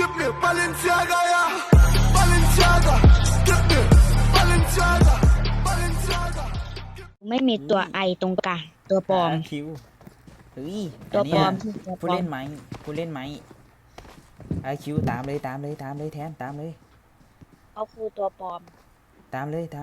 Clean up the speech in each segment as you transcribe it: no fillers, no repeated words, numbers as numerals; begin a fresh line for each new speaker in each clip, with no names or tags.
Gib mir Balenciaga, ja. Balenciaga. Gib mir Balenciaga. Balenciaga.
ไม่มีตัวไอตรงกลางตัวปลอม
คิวเฮ้ย
ตัวปลอม
นเนี้ย
ตัวปลอม
ผู้เล่นไหมผู้เล่นไหมคิวตามเลยแทนตามเลย
เขาคือตัวปลอม
ตามเลย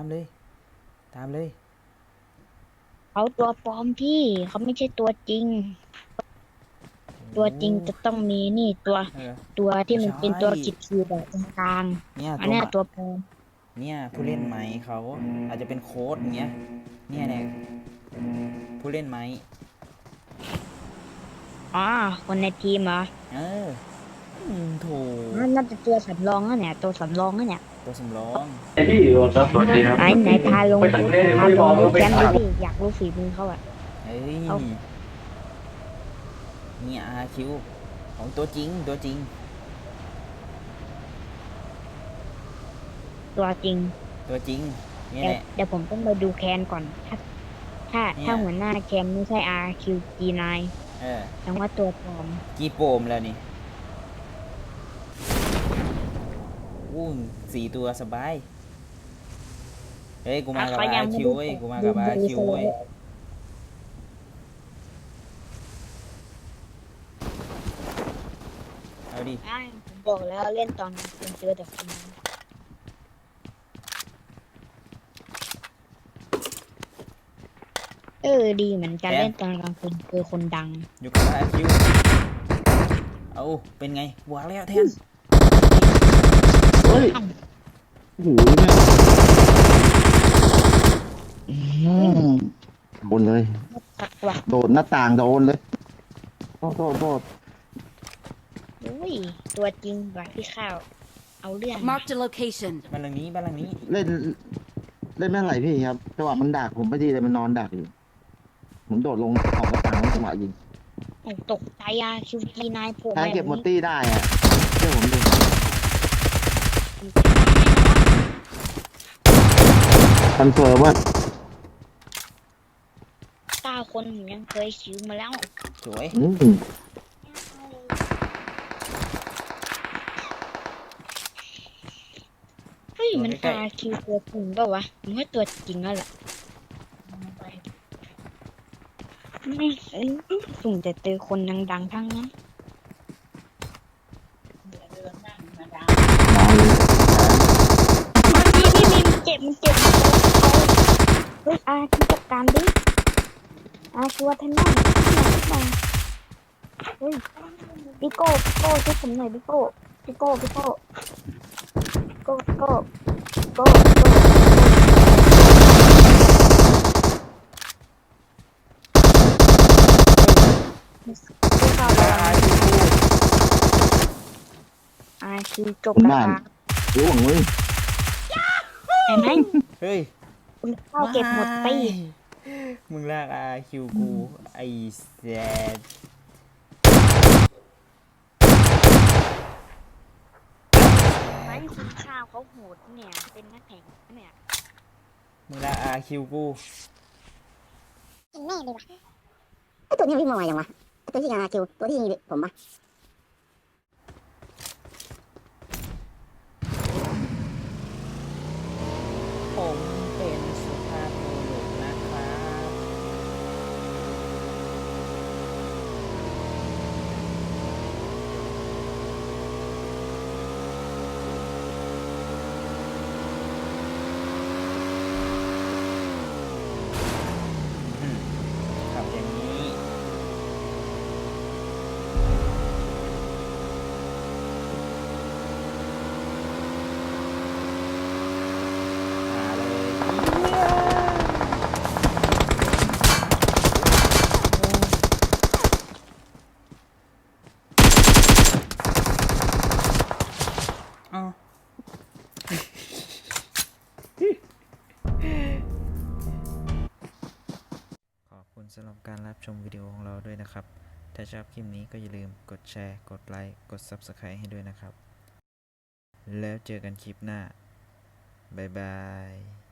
เขาตัวปลอมพี่เขาไม่ใช่ตัวจริง ตัวจริงจะต้องมีนี่ตัว
เออ
ตัวที่มัน
ใช่
เป็นตัวขีดๆแบบตรงกลาง
เนี่ย
อันเนี้ยตัวปลอม
เนี่ยผู้เล่นไหมเขาอาจจะเป็นโค้ดอย่างเงี้ยเนี่ยผู้เล่นไหม
อ๋อคนในทีมเหรอ
โถ
น่าจะตัวสำรองนะเนี่ยตัวสำรองนะเนี่ย
ตัวสำรอง
พี่ครับสวัสดีครับ
ไหนพาลง
ไปต่างประเทศ
พาลง
ไม่
ดู
บอก
แกม
ไม่
ดู
บอก
ดิอยากรู้ฝีมือเขาอะ
เฮ้ย
เอา
เนี่ยคิวของตัวจริง
ตัวจริง
ตัวจริงนี่
เดี๋ยว
แหละ
เดี๋ยวผมต้องไปดูแคนก่อน ถ้าหัวหน้าแคนไม่ใช่ RQG9 แสดงว่าตัวปลอม
กี่โปมแล้วนี่อู้4 ตัวสบายเฮ้ยกูมากับ RQ เว้ยกูมากับ RQ เว้ยเอาดิ
ผมบอกแล้วเล่นตอนคุณเจอแต่คนนั้นดีเหมือนกันเล่นตอนกลางคืนคือคนดัง
อยู่กับ RQ เอาเป็นไงบวกแล้วแทน
เฮ้ยโอ้โหโดนเลย
สักว่ะ
โดดหน้าต่างโดนเลยโทษ
อุ้ยตัวจริงว่ะพี่ข้าว เอาเรื่อง
Marked a location.
บ้านหลังนี้
เล่นไม่เท่าไหร่พี่ครับจังหวะมันดักผมไม่ดีเลยมันนอนดักอยู่ผมโดดลงออกหน้าต่างแล้วจังหวะยิง
ตกใจQG9 โผล่
แท
มาน
เก็บหมดตี้ได้อะเชื่อผมดิคอนเฟิร์มว่า
9 คนผมยังเคยคิวมาแล้ว
สวย
เฮ้ยมันRQตัวจริงเปล่าวะผมว่าตัวจริงแล้วแหละไม่สุ่มแต่เจอคนดังๆทั้งนั้น พี่เจ็บมันเฮ้ยคิวจัดการดิคิววัฒนะเฮ้ยพี่โก้ช่วยผมหน่อยพี่โก้คิวจบแล้ว
รู้หวังเลย
เห็นไหม
เฮ้ย
คุณเข้าเก็บหมดไป
มึงลากRQ กูไอ้แซด
ไม่คุณข้าวเขาโหดเนี่ย เป็นนักแข่งเนี่ย
มึงลากRQ กู
แม่เลยว่ะไอตัวนี้มันวิ่งมาไวยังวะไอตัวที่คิวตัวที่ยิงผมปะ
ผมเป็นสุภาพบุรุษนะครับขับอย่างนี้ขอบคุณสำหรับการรับชมวิดีโอของเราด้วยนะครับ ถ้าชอบคลิปนี้ก็อย่าลืมกดแชร์ กดไลค์ กด Subscribe ให้ด้วยนะครับ แล้วเจอกันคลิปหน้า บ๊ายบาย